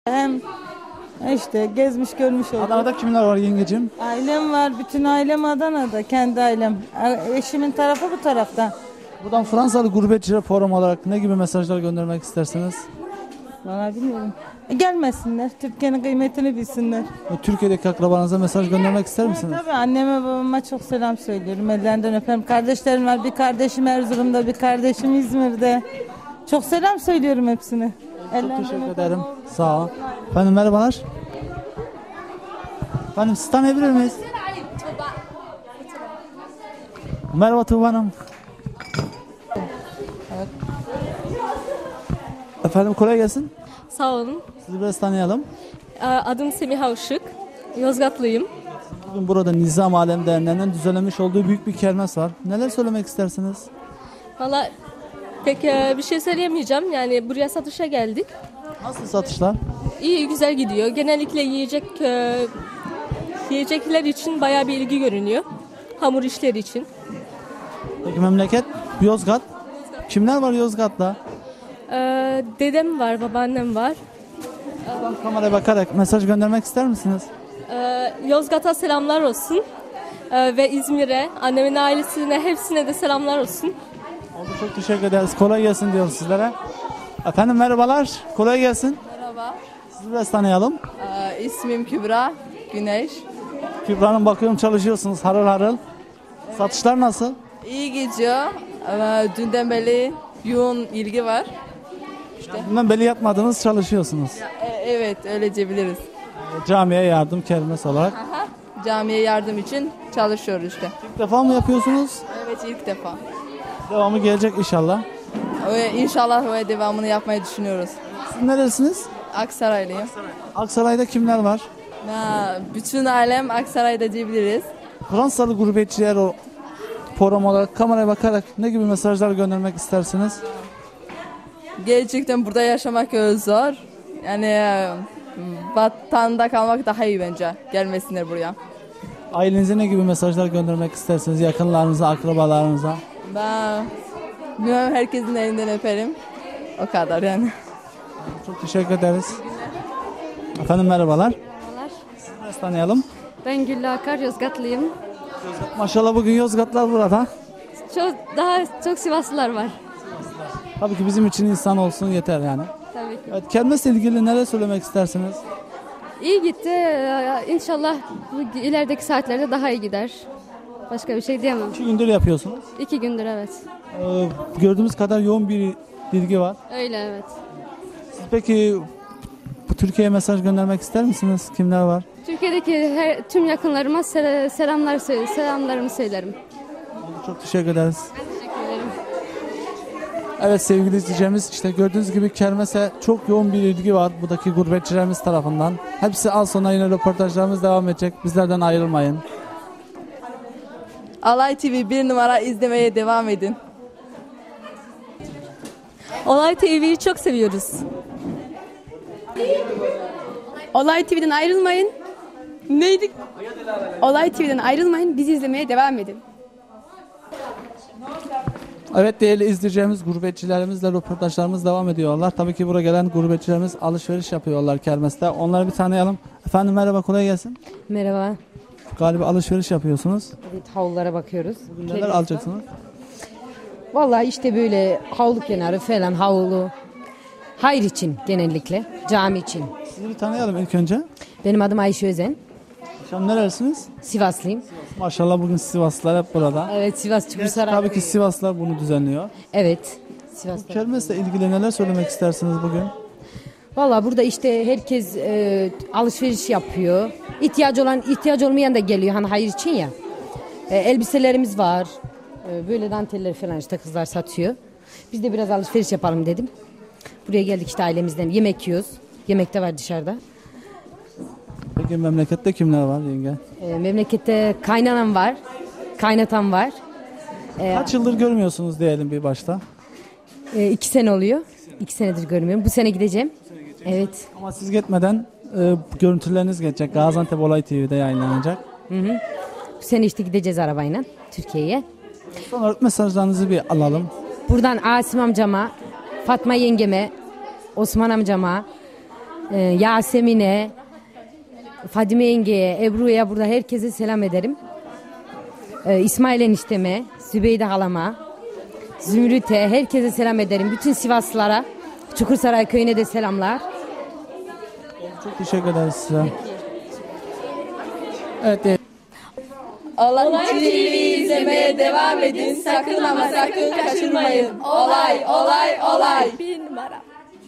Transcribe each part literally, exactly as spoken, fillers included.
Hem işte gezmiş görmüş oldum. Adana'da kimler var yengecim? Ailem var. Bütün ailem Adana'da. Kendi ailem. Eşimin tarafı bu tarafta. Buradan Fransalı gurbetçilere forum olarak ne gibi mesajlar göndermek istersiniz? Vallahi bilmiyorum. E, gelmesinler. Türkiye'nin kıymetini bilsinler. Türkiye'deki akrabanıza mesaj göndermek ister misiniz? Tabii anneme babama çok selam söylüyorum. Ellerinden öperim. Kardeşlerim var. Bir kardeşim Erzurum'da, bir kardeşim İzmir'de. Çok selam söylüyorum hepsine. Çok teşekkür ederim. Sağ ol. Efendim merhabalar. Efendim sizi tanıyabilir miyiz? Merhaba Tuğba Hanım. Evet. Efendim kolay gelsin. Sağ olun. Sizi biraz tanıyalım. Adım Semiha Işık. Yozgatlıyım. Bugün burada Nizam Alem Derneği'nin düzenlemiş olduğu büyük bir kermes var. Neler söylemek istersiniz? Valla pek bir şey söyleyemeyeceğim. Yani buraya satışa geldik. Nasıl satışlar? İyi, güzel gidiyor. Genellikle yiyecek yiyecekler için bayağı bir ilgi görünüyor. Hamur işleri için. Peki memleket Yozgat. Kimler var Yozgat'ta? Ee, dedem var, babaannem var. Buradan kameraya bakarak mesaj göndermek ister misiniz? Ee, Yozgat'a selamlar olsun. Ee, ve İzmir'e, annemin ailesine, hepsine de selamlar olsun. Oldu, çok teşekkür ederiz. Kolay gelsin diyoruz sizlere. Efendim merhabalar. Kolay gelsin. Merhaba. Sizi biraz tanıyalım. Ee, ismim Kübra Güneş. Kübra Hanım bakıyorum çalışıyorsunuz harıl harıl. Satışlar nasıl? İyi gidiyor. Ama dünden beri yoğun ilgi var. İşte. Bundan beri yatmadınız çalışıyorsunuz. E, evet öyle diyebiliriz. Camiye yardım kermes olarak. Aha. Camiye yardım için çalışıyoruz işte. İlk defa mı yapıyorsunuz? Evet ilk defa. Devamı gelecek inşallah. Ve inşallah ve devamını yapmayı düşünüyoruz. Siz neresiniz? Aksaraylıyım. Aksaray'da kimler var? Ha, bütün ailem Aksaray'da diyebiliriz. Fransalı gurbetçiler o forum olarak kameraya bakarak ne gibi mesajlar göndermek istersiniz? Gerçekten burada yaşamak zor. Yani e, vatanda kalmak daha iyi bence. Gelmesinler buraya. Ailenize ne gibi mesajlar göndermek istersiniz? Yakınlarınıza, akrabalarınıza? Ben bilmem, herkesin elinden öperim. O kadar yani. Çok teşekkür ederiz. Efendim merhabalar. Merhabalar. Sizi biraz tanıyalım. Ben Güllü Akar, Yozgatlıyım. Maşallah bugün Yozgatlar burada. Çok daha çok Sivaslılar var. Tabii ki bizim için insan olsun yeter yani. Tabii ki. Evet, kermesle ilgili neler söylemek istersiniz? İyi gitti. Ee, İnşallah bu ilerideki saatlerde daha iyi gider. Başka bir şey diyemem. İki gündür yapıyorsunuz. İki gündür evet. Ee, gördüğümüz kadar yoğun bir ilgi var. Öyle evet. Siz peki bu Türkiye'ye mesaj göndermek ister misiniz? Kimler var? Türkiye'deki her, tüm yakınlarıma sel- selamlar söyle- selamlarımı söylerim. Çok teşekkür ederiz. Teşekkür ederim. Evet sevgili izleyicilerimiz, işte gördüğünüz gibi kermese çok yoğun bir ilgi var buradaki gurbetçilerimiz tarafından. Hepsi az sonra yine röportajlarımız devam edecek. Bizlerden ayrılmayın. Alay T V bir numara izlemeye devam edin. Olay T V'yi çok seviyoruz. Olay T V'den ayrılmayın. Neydi? Olay T V'den ayrılmayın. Bizi izlemeye devam edin. Evet değerli izleyicilerimiz, gurbetçilerimizle röportajlarımız devam ediyorlar. Tabii ki buraya gelen gurbetçilerimiz alışveriş yapıyorlar kermeste. Onları bir tanıyalım. Efendim merhaba, kolay gelsin. Merhaba. Galiba alışveriş yapıyorsunuz. Evet, havlulara bakıyoruz. Bugün neler alacaksınız? Vallahi işte böyle havlu kenarı falan, havlu. Hayır için genellikle, cami için. Sizi bir tanıyalım ilk önce. Benim adım Ayşe Özen. Akşam nerelisiniz? Sivaslıyım. Maşallah bugün Sivaslılar hep burada. Evet, Sivas Çukursaray. Tabii ki Sivaslılar bunu düzenliyor. Evet, Sivas'ta. Kermesle ilgili neler söylemek istersiniz bugün? Vallahi burada işte herkes e, alışveriş yapıyor. İhtiyacı olan, ihtiyacı olmayan da geliyor hani hayır için ya. E, elbiselerimiz var. E, böyle danteller falan işte kızlar satıyor. Biz de biraz alışveriş yapalım dedim. Buraya geldik işte ailemizden. Yemek yiyoruz. Yemek de var dışarıda. Peki memlekette kimler var yenge? E, memlekette kaynanam var. Kaynatam var. E, Kaç yıldır görmüyorsunuz diyelim bir başta. e, iki sene oluyor. İki senedir görmüyorum. Bu sene gideceğim. Evet. Ama siz gitmeden e, görüntüleriniz geçecek. Gaziantep Olay T V'de yayınlanacak. Hı hı. Bu sene işte gideceğiz arabayla Türkiye'ye. Son olarak mesajlarınızı bir alalım. Buradan Asim amcama, Fatma yengeme, Osman amcama, e, Yasemin'e, Fadime yengeye, Ebru'ya burada herkese selam ederim. E, İsmail enişteme, Zübeyde halama, Zümrüt'e herkese selam ederim. Bütün Sivaslılara, Çukursaray köyüne de selamlar. Çok teşekkür ederiz size. Evet, e, Olay T V izlemeye devam edin. Sakın ama sakın kaçırmayın. Olay, olay, olay. Bir numara.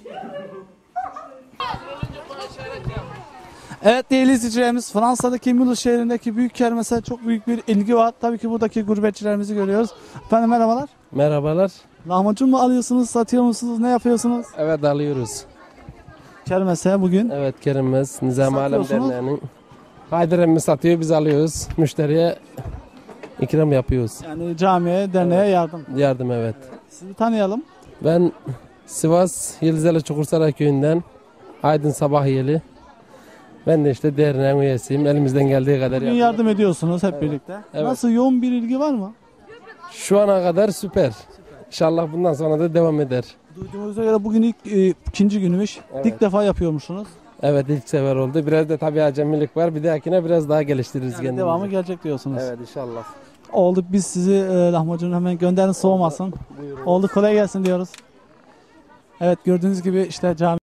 evet değerli izleyicilerimiz, Fransa'daki Mulhouse şehrindeki büyük kermese çok büyük bir ilgi var. Tabii ki buradaki gurbetçilerimizi görüyoruz. Efendim merhabalar. Merhabalar. Lahmacun mu alıyorsunuz, satıyor musunuz, ne yapıyorsunuz? Evet alıyoruz. Kermese bugün. Evet Kerim'imiz Nizam Alem Satıyorsunuz. Derneği'nin Haydar satıyor, biz alıyoruz. Müşteriye ikram yapıyoruz. Yani camiye, derneğe yardım. Yardım evet. Sizi tanıyalım. Ben Sivas Yıldızeli Çukursaray köyünden Aydın Sabahyeli. Ben de işte derneğin üyesiyim. Elimizden geldiği kadar Bugün yapıyoruz. yardım ediyorsunuz hep birlikte. Evet. Nasıl, yoğun bir ilgi var mı? Şu ana kadar süper. İnşallah bundan sonra da devam eder. Duyduğumuza göre bugün ilk e, ikinci günümüz. Evet. İlk defa yapıyormuşsunuz. Evet ilk sefer oldu. Biraz da tabii acemilik var. Bir dahakine biraz daha geliştiririz Yani kendimizi. devamı gelecek diyorsunuz. Evet inşallah. Oldu, biz sizi e, lahmacunu hemen gönderin, soğumasın. Oldu, kolay gelsin diyoruz. Evet, gördüğünüz gibi işte cami